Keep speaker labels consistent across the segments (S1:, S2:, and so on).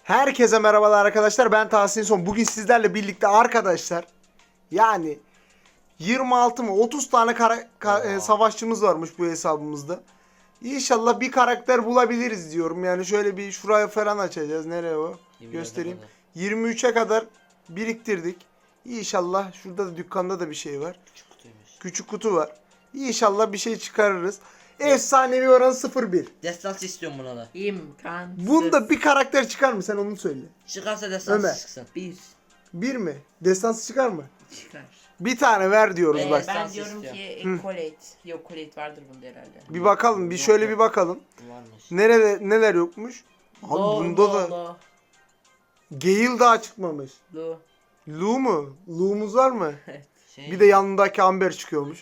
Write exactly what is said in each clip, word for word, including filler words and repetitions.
S1: Herkese merhabalar arkadaşlar. Ben Tahsin Son. Bugün sizlerle birlikte arkadaşlar yani yirmi altı mı otuz tane kara, ka, e, savaşçımız varmış bu hesabımızda. İnşallah bir karakter bulabiliriz diyorum. Yani şöyle bir şuraya falan açacağız. Nereye o? Göstereyim. yirmi üçe kadar biriktirdik. İnşallah şurada da dükkanda da bir şey var.
S2: Küçük kutuymuş.
S1: Küçük kutu var. İnşallah bir şey çıkarırız. Efsanevi oranı sıfır bir.
S2: Destans istiyorum buna da.
S3: İmkansız.
S1: Bunda bir karakter çıkar mı? Sen onu söyle.
S2: Çıkarsa destans
S1: Ömer.
S2: çıksın.
S3: Bir
S1: Bir mi? Destansı çıkar mı?
S3: çıkar.
S1: Bir tane ver diyoruz
S2: Ee,
S1: bak.
S2: ben-
S3: Ben
S2: Destans
S3: diyorum
S2: istiyor.
S3: ki
S1: Hı.
S3: e, Colette. Yok Colette vardır bunda herhalde.
S1: Bir bakalım, bir
S2: Yok,
S1: şöyle
S2: yok.
S1: bir bakalım.
S2: Varmış.
S1: Nerede neler yokmuş? Abi
S3: Lo,
S1: bunda
S3: lo,
S1: da
S3: lo,
S1: Gale daha çıkmamış.
S3: lo.
S1: Lu mu? Lu'muz var mı?
S2: Şey,
S1: Bir de yanındaki Amber çıkıyormuş.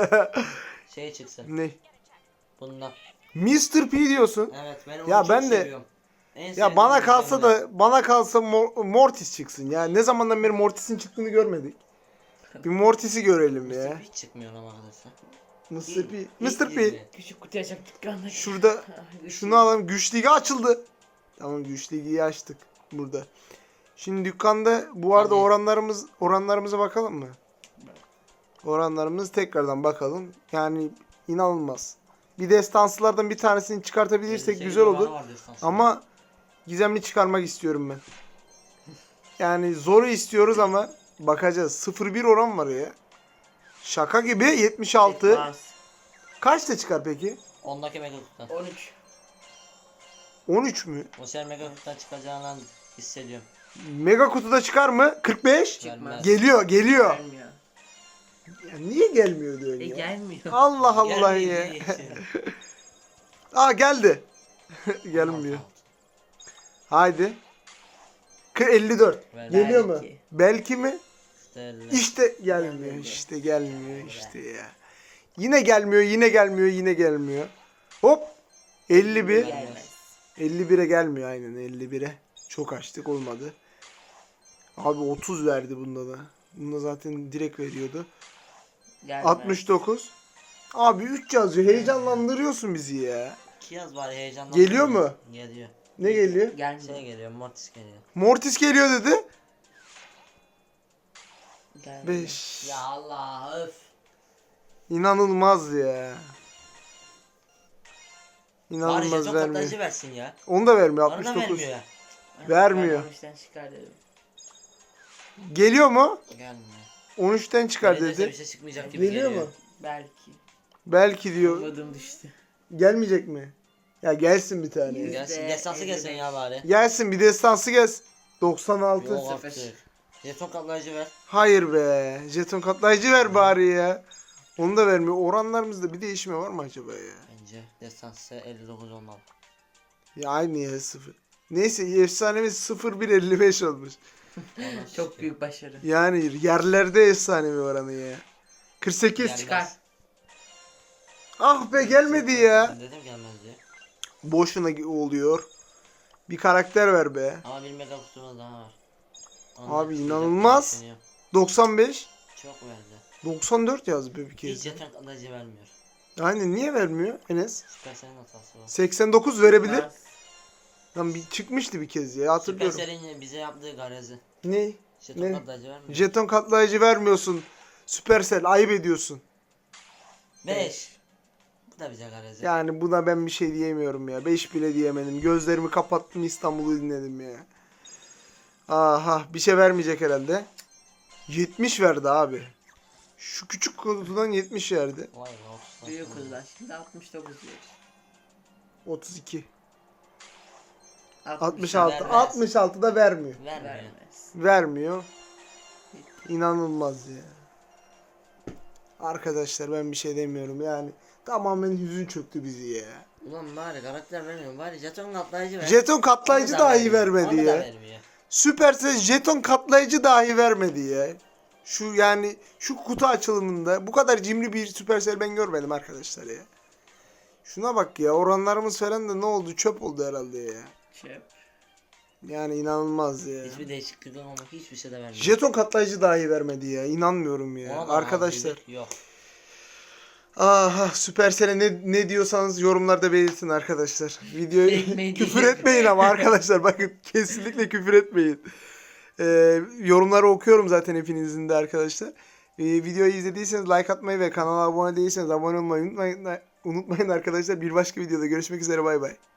S2: şey çıksın.
S1: Ne?
S2: Bundan.
S1: mister P diyorsun.
S2: Evet ben onu
S1: Ya
S2: çok
S1: ben de-
S2: seviyorum. En
S1: Ya
S2: sevdiğim
S1: bana kalsa
S2: ürünlerden.
S1: da bana kalsa Mor- Mortis çıksın ya. Ne zamandan beri Mortis'in çıktığını görmedik. Bir Mortis'i görelim ya.
S2: Hiç çıkmıyor ama arkadaşlar.
S1: mister P.
S2: İlk-
S1: mister
S2: ilk
S1: P.
S2: yirmi.
S3: Küçük kutu açıp dükkanda.
S1: Şurada şunu alalım. Güç ligi açıldı. Tamam, güç ligiyi açtık burada. Şimdi dükkanda bu arada
S2: Hadi.
S1: oranlarımız oranlarımıza bakalım mı? Oranlarımız tekrardan bakalım. Yani inanılmaz. Bir destansılardan bir tanesini çıkartabilirsek
S2: elli sekiz
S1: güzel olur.
S2: oranı var destans.
S1: Ama gizemli çıkarmak istiyorum ben. Yani zoru istiyoruz ama bakacağız. sıfır bir oran var ya. Şaka gibi yetmiş altı.
S3: Çıkmaz.
S1: Kaçta çıkar peki?
S2: ondaki mega kutudan.
S3: on üç.
S1: on üç mü?
S2: O sefer mega kutudan çıkacağından hissediyorum.
S1: Mega kutuda çıkar mı? kırk beş.
S2: Gelmez.
S1: Geliyor, geliyor.
S3: Gelmiyor.
S1: Ya niye gelmiyor diyor
S3: E
S1: ya?
S3: gelmiyor.
S1: Allah Allah ya.
S2: Gelmediği için.
S1: Aa geldi. Gelmiyor. Haydi. Kı- elli dört.
S2: Ver.
S1: Geliyor mu?
S3: Belki.
S1: Belki mi?
S2: İşte elle.
S1: İşte gelmiyor.
S3: Gelmedi.
S1: İşte gelmiyor işte ya. Yine gelmiyor, yine gelmiyor, yine gelmiyor. Hop. elli bir.
S3: Gelmez.
S1: elli bire gelmiyor aynen elli bire. Çok açtık olmadı. Abi otuz verdi bunda da. Bunda zaten direkt veriyordu.
S3: Gelmez.
S1: altmış dokuz. Abi üç yazıyor. Heyecanlandırıyorsun bizi ya.
S2: İki yaz bari heyecandan.
S1: Geliyor mu?
S2: Geliyor.
S1: Ne geliyor?
S2: Şey
S3: Gelmiyor.
S2: geliyor, Mortis geliyor.
S1: Mortis geliyor dedi.
S3: Gelmiyor.
S1: beş.
S2: Ya Allah öf.
S1: İnanılmaz ya.
S2: Bari
S1: İnanılmaz
S2: jeton
S1: vermiyor.
S2: katlayıcı versin ya.
S1: Onu da vermiyor.
S2: Bana
S1: altmış
S2: da
S1: dokuz.
S2: vermiyor ya.
S1: vermiyor.
S3: Ben on üçten çıkar dedim.
S1: Geliyor mu?
S2: Gelmiyor.
S1: on üçten çıkar
S2: Neredeyse
S1: dedi.
S2: bir şey çıkmayacak gibi
S1: Geliyor
S2: geliyor.
S1: mu?
S3: Belki.
S1: Belki diyor.
S3: Umudum düştü.
S1: Gelmeyecek mi? Ya gelsin bir tane.
S3: Yüz-
S2: Gelsin,
S3: Yüzde
S2: destansı
S3: elli
S2: gelsin
S3: beş.
S2: ya bari.
S1: Gelsin bir destansı gelsin. doksan altı.
S2: Yok
S3: sıfır.
S2: artık. Jeton katlayıcı ver.
S1: Hayır be. Jeton katlayıcı ver bari ya. Onu da vermiyor. Oranlarımızda bir değişme var mı acaba ya?
S2: Bence destansı elli dokuz olmalı.
S1: Ya aynı ya sıfır. Neyse efsanemiz sıfır bir elli beş olmuş.
S2: Ondan
S3: Çok
S2: çıkıyor.
S3: büyük başarı.
S1: Yani yerlerde efsanevi oranı ya. kırk sekiz.
S2: Gelmez.
S3: Çıkar.
S1: Ah be gelmedi ya.
S2: Ben dedim gelmez diye.
S1: Boşuna oluyor. Bir karakter ver be.
S2: Ama bir mega kutumuz daha var. Onu
S1: Abi
S2: da
S1: inanılmaz.
S2: düşünüyorum.
S1: doksan beş.
S2: Çok verdi.
S1: doksan dört yazdı bir
S2: Hiç
S1: kez.
S2: jeton katlayıcı vermiyor.
S1: Aynen niye vermiyor Enes?
S2: Supercell'in hatası var.
S1: seksen dokuz verebilir.
S3: Çıkmaz.
S1: Lan bir çıkmıştı bir kez ya hatırlıyorum.
S2: Supercell'in bize yaptığı garezi.
S1: Ne?
S2: Jeton
S1: Ne?
S2: katlayıcı vermiyor.
S1: Jeton katlayıcı vermiyorsun. Supercell ayıp ediyorsun.
S2: beş. Bu da bize garezi.
S1: Yani buna ben bir şey diyemiyorum ya. beş bile diyemedim. Gözlerimi kapattım İstanbul'u dinledim ya. Aha bir şey vermeyecek herhalde. yetmiş verdi abi. Şu küçük kutudan yetmiş verdi.
S2: Vay be otuz.
S3: Büyük hızlar. Şimdi altmış dokuz diyoruz.
S1: otuz iki.
S3: altmış
S1: altmış altı.
S2: vermez.
S1: altmış altı da vermiyor.
S2: Vermiyor.
S3: Vermez.
S1: Vermiyor. İnanılmaz ya. Arkadaşlar ben bir şey demiyorum yani. Tamamen hüzün çöktü bizi ya.
S2: Ulan bari karakter vermiyor. Bari jeton katlayıcı ver.
S1: Jeton katlayıcı
S2: Onu da
S1: dahi
S2: vermiyor.
S1: vermedi
S2: Onu da
S1: ya.
S2: vermiyor.
S1: Supercell jeton katlayıcı dahi vermedi ya. Şu yani şu kutu açılımında bu kadar cimri bir Supercell ben görmedim arkadaşlar ya. Şuna bak ya, oranlarımız falan da ne oldu, çöp oldu herhalde ya.
S3: Çöp.
S1: Yani inanılmaz ya.
S2: Hiçbir değişiklik olmamak hiçbir şey de vermiyor.
S1: Jeton katlayıcı dahi vermedi ya. İnanmıyorum ya.
S2: Ona da
S1: Arkadaşlar.
S2: azizlik Yok.
S1: Aha, Supercell'e ne, ne diyorsanız yorumlarda belirtin arkadaşlar. Videoyu
S3: Ekmeği
S1: küfür
S3: diyecek.
S1: etmeyin ama arkadaşlar bakın kesinlikle küfür etmeyin. Ee, yorumları okuyorum zaten hepinizin de arkadaşlar. Ee, videoyu izlediyseniz like atmayı ve kanala abone değilseniz abone olmayı unutmayın, unutmayın arkadaşlar. Bir başka videoda görüşmek üzere, bay bay.